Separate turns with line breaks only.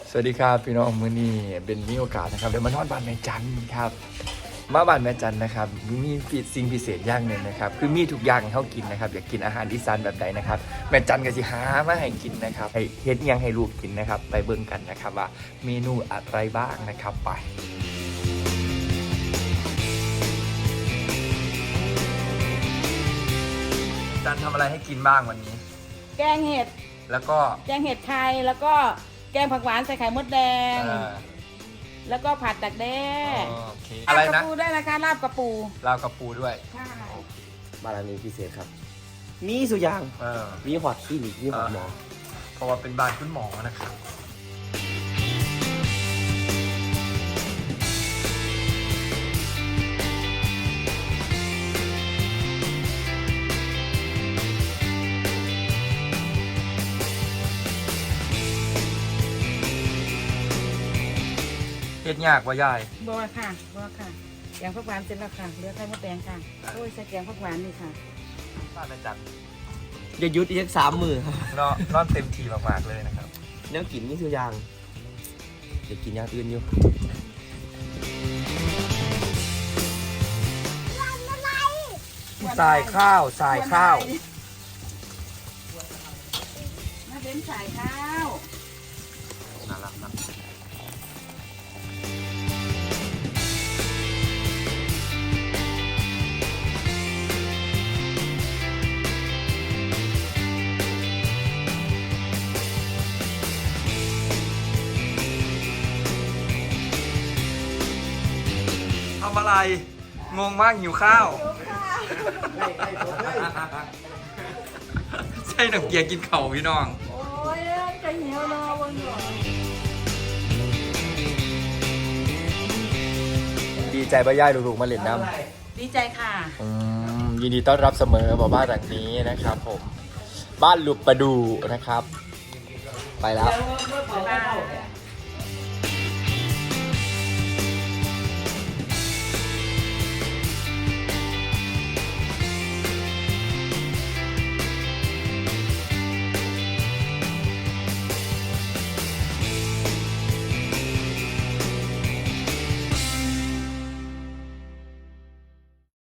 สวัสดีครับพี่น้องมื้อนี้เป็นมีโอกาสนะครับเดี๋ยวมานอนบ้านแม่จันครับมาบ้านแม่จันนะครับมีสิ่งพิเศษอย่างหนึ่งนะครับคือมีทุกอย่างให้เขากินนะครับอยากกินอาหารอีสานแบบใดนะครับแม่จันก็สิหามาให้กินนะครับให้เฮ็ดหยังให้ลูกกินนะครับไปเบิ่งกันนะครับว่าเมนูอะไรบ้างนะครับไปจันทำอะไรให้กินบ้างวันนี้
แกงเห็ด
แล้วก็
แกงเห็ดไทยแล้วก็แกงผักหวานใส่ไข่มดแดงแล้วก็ผัดดักแด้
โอเคอะไรนะ
ลาบกระปูด้วยนะคะลาบกระปู
ลาบกระปูด้วย
ใช่
บารมีพิเศษครับมีสุดอย่างมีหอดคลินิกมีหอดหมอ
เพราะว่าเป็นบ้านคุณหมอนะครับเฮ็ดยากว่ายาย
บัวค่ะแกงผักหวานเสร็จแล้วค่ะเหลือไข่มดแดงค่ะโอ้ยใส่แกงผักหวานนี่ค่ะ
บ้านแม่จัน
อย่ายุดอีก3 มือครับ
นอนเต็มทีมากๆเลยนะครับ
เนื้อกินมีสุดอย่างจะกินอย่างอื่นอยู่
สายข้าว
มาเด่นสายข้าว
น่ารักนะทำอะไรงงมากหิวข้าวใช่หนังเกียร์กินเข่าพี่น้อง
โอ้ยจะเหนียวรอวันหน่อย
ดีใจป้าย่ายลูกๆมาเล่นน้ำ
ดีใจค่ะ
ยินดีต้อนรับเสมอบ้านหลังนี้นะครับผมบ้านลุบประดูนะครับไปแล้ว